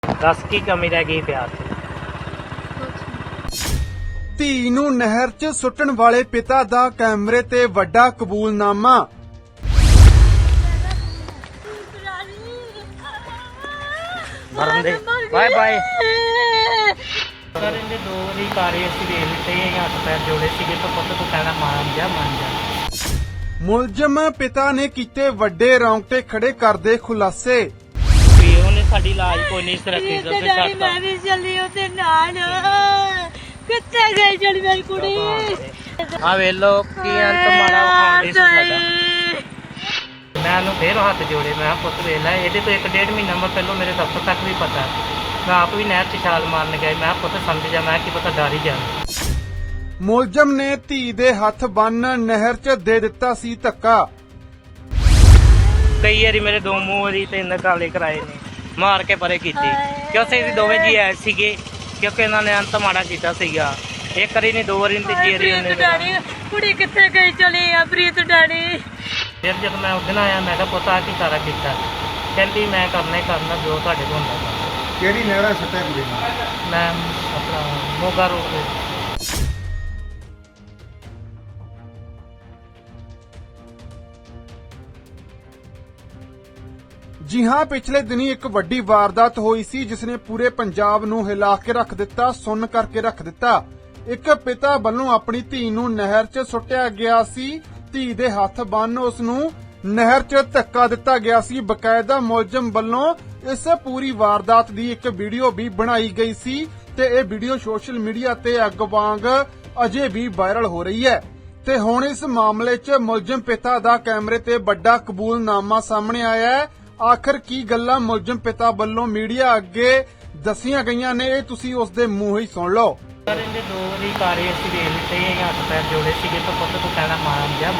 दस की कमी रह गई प्यार से। ਧੀ ਨੂੰ ਨਹਿਰ 'ਚ ਸੁੱਟਣ ਵਾਲੇ ਪਿਤਾ ਦਾ ਕੈਮਰੇ ਤੇ ਵੱਡਾ ਕਬੂਲਨਾਮਾ। बाय बाय सर इन्हें दो वारी कारे असीं वेख लिते हथ पैर जोड़े सीगे तो पुत्त तू कहना मान जा। ਮੁਲਜ਼ਮ ਪਿਤਾ ਨੇ ਕੀਤੇ ਵੱਡੇ ਰੌਂਗਟੇ ਖੜੇ ਕਰਦੇ ਖੁਲਾਸੇ। ਉਹਨੇ ਸਾਡੀ ਲਾਜ ਕੋਈ ਨਹੀਂ ਰੱਖੀ ਡੈਡੀ ਮੈਂ ਵੀ ਚੱਲੀ ਉਹਦੇ ਨਾਲ ਕਿੱਥੇ ਗਈ ਜਿਹੜੀ ਮੇਰੀ ਕੁੜੀ ਆ ਵੇਖ ਲੋ ਕੀ ਅੰਤ ਮਾੜਾ ਖਾਂਦੇ ਸੀ ਸਾਡਾ। मैं ਉਹਨੂੰ ਫੇਰ ਹੱਥ ਜੋੜੇ ਮੈਂ ਪੁੱਤ ਵੇਖ ਲੈ ਇਹਦੇ ਤੋਂ 1.5 ਮਹੀਨਾ ਪਹਿਲਾਂ ਮੇਰੇ ਦਫ਼ਤਰ ਤੱਕ ਵੀ ਪਤਾ ਮੈਂ ਆਪ ਵੀ ਨਹਿਰ 'ਚ ਛਾਲ ਮਾਰਨ ਗਿਆ ਮੈਂ ਪੁੱਤ ਸਮਝ ਜਾ ਮੈਂ ਕੀ ਪਤਾ ਡਰ ਹੀ ਜਾਣਾ। ਮੁਲਜ਼ਮ ਨੇ ਧੀ ਦੇ ਹੱਥ ਬੰਨ ਨਹਿਰ 'ਚ ਦੇ ਦਿੱਤਾ ਸੀ ਧੱਕਾ। ਕਈ ਵਾਰੀ ਮੇਰੇ ਦੋ ਮੂੰਹ ਵਾਰੀ ਤੇ ਨਕਾਲੇ ਕਰਾਏ ਨੇ ਮਾਰ ਕੇ ਪਰੇ ਕੀਤੀ ਕਿਉਂਕਿ ਅਸੀਂ ਦੋਵੇਂ ਜੀ ਆਏ ਸੀਗੇ ਕਿਉਂਕਿ ਇਹਨਾਂ ਨੇ ਅੰਤ ਮਾੜਾ ਕੀਤਾ ਸੀਗਾ। ਇੱਕ ਵਾਰੀ ਨਹੀਂ ਦੋ ਵਾਰੀ ਨਹੀਂ ਤੀਜੀ ਵਾਰੀ ਉਹਨੇ ਡੈਡੀ ਕੁੜੀ ਕਿੱਥੇ ਗਈ ਚਲੀ ਆ ਪ੍ਰੀਤ ਡੈਡੀ। ਫਿਰ ਜਦ ਮੈਂ ਉਸ ਦਿਨ ਆਇਆ ਮੈਂ ਕਿਹਾ ਪੁੱਤ ਆ ਕੀ ਸਾਰਾ ਕੀਤਾ ਕਹਿੰਦੀ ਮੈਂ ਕਰਨਾ ਹੀ ਕਰਨਾ ਜੋ ਤੁਹਾਡੇ ਕੋਲ ਹੁੰਦਾ। ਕਿਹੜੀ ਨਹਿਰ ਸੱਟਿਆ ਕੁੜੀ ਨੂੰ? ਮੈਂ ਆਪਣਾ ਮੋਗਾ ਰੋਡ ਤੇ। ਜੀ ਹਾਂ, ਪਿਛਲੇ ਦਿਨੀ ਇੱਕ ਵੱਡੀ ਵਾਰਦਾਤ ਹੋਈ ਸੀ ਜਿਸ ਨੇ ਪੂਰੇ ਪੰਜਾਬ ਨੂੰ ਹਿਲਾ ਕੇ ਰੱਖ ਦਿੱਤਾ, ਸੁੰਨ ਕਰਕੇ ਰੱਖ ਦਿੱਤਾ। ਇੱਕ ਪਿਤਾ ਵੱਲੋਂ ਆਪਣੀ ਧੀ ਨੂੰ ਨਹਿਰ 'ਚ ਸੁੱਟਿਆ ਗਿਆ ਸੀ। ਧੀ ਦੇ ਹੱਥ ਬੰਨ ਉਸ ਨੂੰ ਨਹਿਰ 'ਚ ਧੱਕਾ ਦਿੱਤਾ ਗਿਆ ਸੀ। ਬਕਾਇਦਾ ਮੁਲਜ਼ਮ ਵੱਲੋਂ ਇਸ ਪੂਰੀ ਵਾਰਦਾਤ ਦੀ ਇੱਕ ਵੀਡੀਓ ਵੀ ਬਣਾਈ ਗਈ ਸੀ ਤੇ ਇਹ ਵੀਡੀਓ ਸੋਸ਼ਲ ਮੀਡੀਆ ਤੇ ਅੱਗ ਵਾਂਗ ਅਜੇ ਵੀ ਵਾਇਰਲ ਹੋ ਰਹੀ ਹੈ। ਤੇ ਹੁਣ ਇਸ ਮਾਮਲੇ 'ਚ ਮੁਲਜ਼ਮ ਪਿਤਾ ਦਾ ਕੈਮਰੇ ਤੇ ਵੱਡਾ ਕਬੂਲਨਾਮਾ ਸਾਹਮਣੇ ਆਇਆ ਹੈ। ਆਖਰ ਕੀ ਗੱਲਾਂ ਮੁਲਜ਼ਮ ਪਿਤਾ ਵੱਲੋਂ ਮੀਡੀਆ ਅੱਗੇ ਦੱਸੀਆਂ ਗਈਆਂ ਨੇ ਇਹ ਤੁਸੀਂ ਉਸ ਦੇ ਮੂੰਹ ਹੀ ਸੁਣ ਲਓ। ਸਰ ਇਹਦੇ ਦੋ ਵਾਰੀ ਕਾਰੇ ਅਸੀਂ ਵੇਖ ਲਿਤੇ ਹੱਥ ਪੈਰ ਜੋੜੇ ਸੀਗੇ ਤਾਂ ਪੁੱਤ ਤੂੰ ਕਹਿਣਾ मान जा।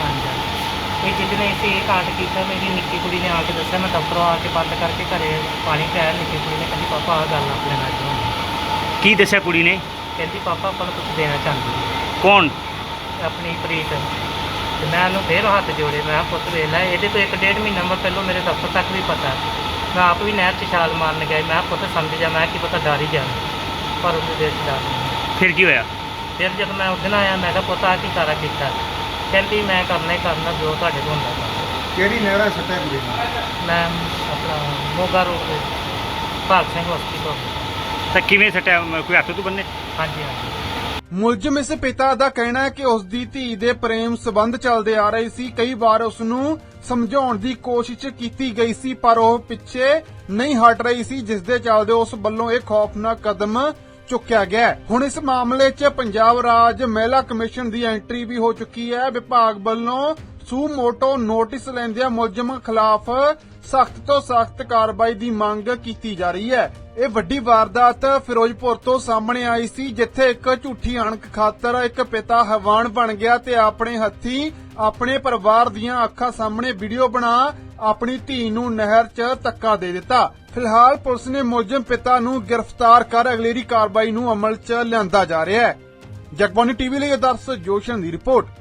ਇਹ ਜਿਹਨੇ ਅਸੀਂ ਇਹ ਕਾਂਡ ਕੀਤਾ ਮੇਰੀ ਨਿੱਕੀ ਕੁੜੀ ਨੇ ਆ ਕੇ ਦੱਸਿਆ ਮੈਂ ਦਫ਼ਤਰੋਂ ਆ ਕੇ ਬੰਦ ਕਰਕੇ ਘਰੇ ਪਾਣੀ ਪਿਆਇਆ। ਨਿੱਕੀ ਕੁੜੀ ਨੇ ਕਹਿੰਦੀ ਪਾਪਾ ਆਹ ਗੱਲ ਆਪਣੇ ਨਾਲ ਹੋਈ। ਕੀ ਦੱਸਿਆ ਕੁੜੀ ਨੇ? ਕਹਿੰਦੀ ਪਾਪਾ ਆਪਾਂ ਨੂੰ ਕੁਝ ਦੇਣਾ ਚਾਹੁੰਦੀ ਹੈ ਕੌਣ? ਆਪਣੀ ਪ੍ਰੀਤ। ਤੇ ਮੈਂ ਉਹਨੂੰ ਫੇਰ ਹੱਥ ਜੋੜੇ ਮੈਂ ਪੁੱਤ ਵੇਖ ਲੈ ਇਹਦੇ ਤੋਂ 1.5 ਮਹੀਨਾ ਪਹਿਲਾਂ ਮੇਰੇ ਦਫ਼ਤਰ ਤੱਕ ਵੀ ਪਤਾ ਮੈਂ ਆਪ ਵੀ ਨਹਿਰ 'ਚ ਛਾਲ ਮਾਰਨ ਗਿਆ ਮੈਂ ਪੁੱਤ ਸਮਝ ਜਾ ਮੈਂ ਕੀ ਪਤਾ ਡਰ ਹੀ ਜਾਣਾ ਪਰ ਉਹਦੇ ਦਿਲ 'ਚ ਡਰ ਨਹੀਂ। ਫਿਰ ਕੀ ਹੋਇਆ? ਫਿਰ ਜਦ ਮੈਂ ਉਸ ਦਿਨ ਆਇਆ ਮੈਂ ਕਿਹਾ ਪੁੱਤ ਆ ਕੀ ਸਾਰਾ ਕੀਤਾ ਕਹਿੰਦੀ ਮੈਂ ਕਰਨਾ ਹੀ ਕਰਨਾ ਜੋ ਤੁਹਾਡੇ ਕੋਲ ਹੁੰਦਾ। ਕਿਹੜੀ ਨਹਿਰ ਸੱਟਿਆ ਕੁੜੀ ਨੂੰ? ਮੈਂ ਆਪਣਾ ਮੋਗਾ ਰੋਡ ਤੇ ਭਾਗ ਸਿੰਘ ਹਸਪੀਟਲ। ਤਾਂ ਕਿਵੇਂ ਸੱਟਿਆ? ਕੋਈ ਹੱਥ ਤੋਂ ਬੰਨੇ? ਹਾਂਜੀ ਹਾਂਜੀ। ਮੁਲਜ਼ਮ ਇਸ ਪਿਤਾ ਦਾ ਕਹਿਣਾ ਹੈ ਕਿ ਉਸ ਦੀ ਧੀ ਦੇ ਪ੍ਰੇਮ ਸੰਬੰਧ ਚੱਲਦੇ ਆ ਰਹੇ ਸੀ। ਕਈ ਵਾਰ ਉਸ ਨੂੰ ਸਮਝਾਉਣ ਦੀ ਕੋਸ਼ਿਸ਼ ਕੀਤੀ ਗਈ ਸੀ ਪਰ ਉਹ ਪਿੱਛੇ ਨਹੀਂ ਹਟ ਰਹੀ ਸੀ ਜਿਸ ਦੇ ਚੱਲਦੇ ਉਸ ਵੱਲੋਂ ਇਹ ਖੌਫਨਾਕ ਕਦਮ ਚੁੱਕਿਆ ਗਿਆ। ਹੁਣ ਇਸ ਮਾਮਲੇ 'ਚ ਪੰਜਾਬ ਰਾਜ ਮਹਿਲਾ ਕਮਿਸ਼ਨ ਦੀ ਐਂਟਰੀ ਵੀ ਹੋ ਚੁੱਕੀ ਹੈ। ਵਿਭਾਗ ਵੱਲੋਂ ਸੂ ਮੋਟੋ ਨੋਟਿਸ ਲੈਂਦਿਆਂ ਮੁਲਜ਼ਮਾਂ ਖਿਲਾਫ ਸਖਤ ਤੋਂ ਸਖਤ ਕਾਰਵਾਈ ਦੀ ਮੰਗ ਕੀਤੀ ਜਾ ਰਹੀ ਹੈ। ਇਹ ਵੱਡੀ ਵਾਰਦਾਤ ਫਿਰੋਜ਼ਪੁਰ ਤੋਂ ਸਾਹਮਣੇ ਆਈ ਸੀ ਜਿੱਥੇ ਇੱਕ ਝੂਠੀ ਅਣਖ ਖਾਤਰ ਇੱਕ ਪਿਤਾ ਹੈਵਾਨ ਬਣ ਗਿਆ ਤੇ ਆਪਣੇ ਹੱਥੀਂ ਆਪਣੇ ਪਰਿਵਾਰ ਦੀਆਂ ਅੱਖਾਂ ਸਾਹਮਣੇ ਵੀਡੀਓ ਬਣਾ ਆਪਣੀ ਧੀ ਨੂੰ ਨਹਿਰ 'ਚ ਧੱਕਾ ਦੇ ਦਿੱਤਾ। ਫਿਲਹਾਲ ਪੁਲਿਸ ਨੇ ਮੁਲਜ਼ਮ ਪਿਤਾ ਨੂੰ ਗ੍ਰਿਫਤਾਰ ਕਰ ਅਗਲੇਰੀ ਕਾਰਵਾਈ ਨੂੰ ਅਮਲ 'ਚ ਲਿਆਂਦਾ ਜਾ ਰਿਹਾ ਹੈ। ਜਗਬਾਣੀ ਟੀਵੀ ਲਈ ਆਦਰਸ਼ ਜੋਸ਼ਨ ਦੀ ਰਿਪੋਰਟ।